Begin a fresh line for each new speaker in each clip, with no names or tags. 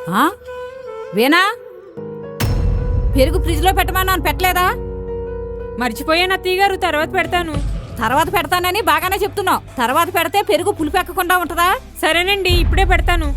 వీణా, పెరుగు ఫ్రిడ్జ్లో పెట్టమన్నాను, పెట్టలేదా?
మర్చిపోయాను అత్తయ్య గారు, తర్వాత పెడతాను.
తర్వాత పెడతానని బాగానే చెప్తున్నావు. తర్వాత పెడితే పెరుగు పులిపెక్కకుండా ఉంటుందా?
సరేనండి, ఇప్పుడే పెడతాను.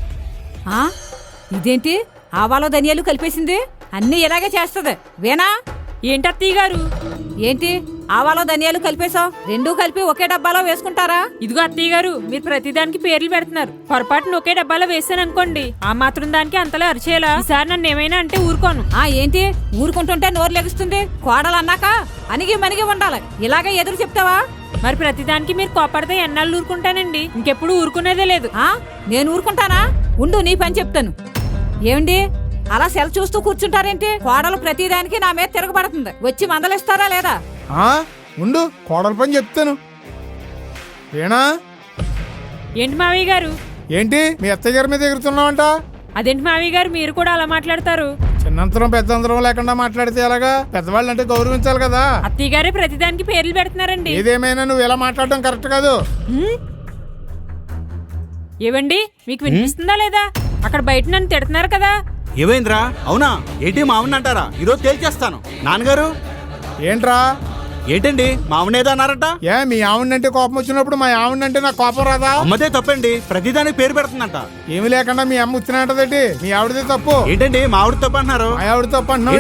ఇదేంటి ఆవాలో ధనియాలు కలిపేసింది? అన్నీ ఇలాగే చేస్తుంది. వీణా,
ఏంటి అత్తయ్య గారు?
ఏంటి ఆవాలో ధనియాలు కలిపేశావు? రెండూ కలిపి ఒకే డబ్బాలో వేసుకుంటారా?
ఇదిగో అత్తయ్య గారు, మీరు ప్రతిదానికి పేర్లు పెడుతున్నారు. పొరపాటున ఒకే డబ్బాలో వేసాను అనుకోండి, ఆ మాత్రం దానికి అంతలా అరిచేలా. ఈసారి నన్ను ఏమైనా అంటే ఊరుకోను.
ఏంటి ఊరుకుంటుంటే నోరు లెగుస్తుంది? కోడలు అన్నాక అనిగి మనిగి ఉండాలి. ఇలాగే ఎదురు చెప్తావా?
మరి ప్రతిదానికి మీరు కోపడితే ఎన్నాళ్ళు ఊరుకుంటానండి? ఇంకెప్పుడు ఊరుకునేదే లేదు.
నేను ఊరుకుంటానా? ఉండు, నీ పని చెప్తాను. ఏమండి అలా సెల్ చూస్తూ కూర్చుంటారేంటి? కోడలు ప్రతిదానికి నా మీద తిరగబడుతుంది. వచ్చి మందలిస్తారా లేదా?
ఉండు, కోడల పని చెప్తాను. వీణా,
ఏంటి మావయ్య గారు?
ఏంటి మీ అత్తయ్య గారి మీద ఎగురుతున్నావంట?
అదేంటి మావయ్య గారు, మీరు కూడా అలా మాట్లాడతారు?
చిన్నంతరం పెద్దంతరం లేకుండా మాట్లాడితే ఎలాగా? పెద్దవాళ్ళు అంటే గౌరవించాలి కదా.
అత్తయ్య గారే ప్రతిదానికి పేర్లు పెడుతున్నారండి.
ఏదేమైనా నువ్వు ఇలా మాట్లాడడం కరెక్ట్ కాదు.
ఏవండి, మీకు వినిపిస్తుందా లేదా? అక్కడ బయట నన్ను తిడుతున్నారు కదా.
ఏమైందిరా? అవునా? ఏంటి మామని అంటారా? ఈరోజు తేల్చేస్తాను. నాన్నగారు
ఏంట్రా?
ఏంటండి మామనేదో అన్నారట?
మీ ఆవిడంటే కోపం వచ్చినప్పుడు మా ఆవిడంటే నాకు కోపం రాదా?
అమ్మదే తప్పండి, ప్రతిదానికి పేరు పెడుతుందంట.
ఏమి లేకుండా మీ అమ్మ వచ్చినట్టదేంటి? మీ ఆవిడదే తప్పు.
ఏంటండి మా ఆవిడ తప్పు అంటున్నారు?
మా ఆవిడ తప్పు అంటున్నావు.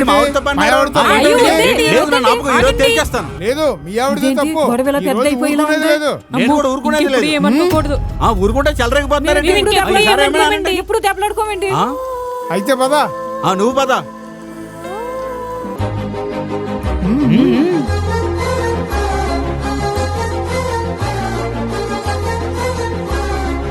ఈరోజు తేల్చేస్తాను.
లేదు, మీ ఆవిడదే తప్పు.
లేదు, నేను కూడా ఊరుకునేది లేదు. ఊరుకుంటే చెలరేగిపోతున్నారండి.
ఇప్పుడు దెబ్బలాడుకోమండి.
అయితే పదా,
నువ్వు పదా.